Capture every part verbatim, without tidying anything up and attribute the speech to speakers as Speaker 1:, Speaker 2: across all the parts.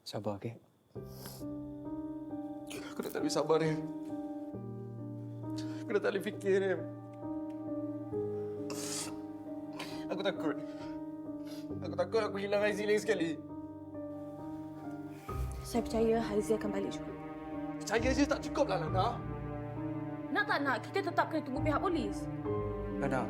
Speaker 1: Sabar, okey?
Speaker 2: Aku dah tak boleh sabar, Rim. Aku dah tak boleh fikir, Rim. Aku takut. Aku takut aku hilang Haizi lagi sekali.
Speaker 3: Saya percaya Haizi akan balik juga.
Speaker 2: Percaya je tak cukup lah, Lana.
Speaker 3: Nak tak nak, kita tetap kena tunggu pihak polis.
Speaker 2: Lana.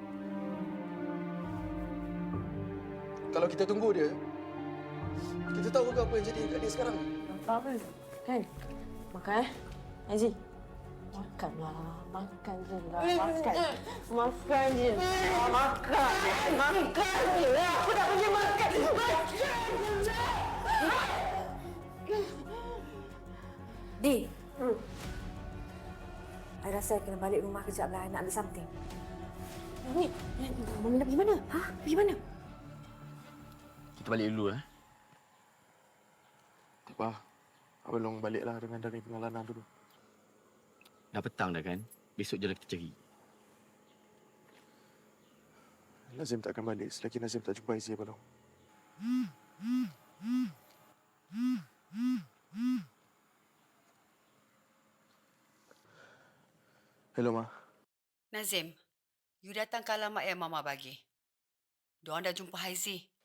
Speaker 2: Kalau kita tunggu dia, kita tahu ke apa yang jadi kat dia sekarang?
Speaker 3: Apa-apa. Kan? Makan, eh? Haizi. Makanlah. Makan je lah. Makan. Makan je. Makan. Makan je lah. Aku tak punya makan. Makan je lah.
Speaker 4: Di. Hmm. I rasa I kena balik rumah kejap lah. I nak ada something.
Speaker 3: Ni, Mami nak pergi mana? Ha? Pergi mana?
Speaker 5: Kita balik dulu, eh?
Speaker 2: Tak apa. Abang baliklah dengan dari pengalaman dulu.
Speaker 5: Dah petang dah kan? Besok je lah kita cari.
Speaker 2: Nazim tak akan balik selagi Nazim tak jumpa Haizi, Abang. Hello, Ma.
Speaker 6: Nazim, you datang ke alamat yang Mama bagi. Diorang dah jumpa Haizi.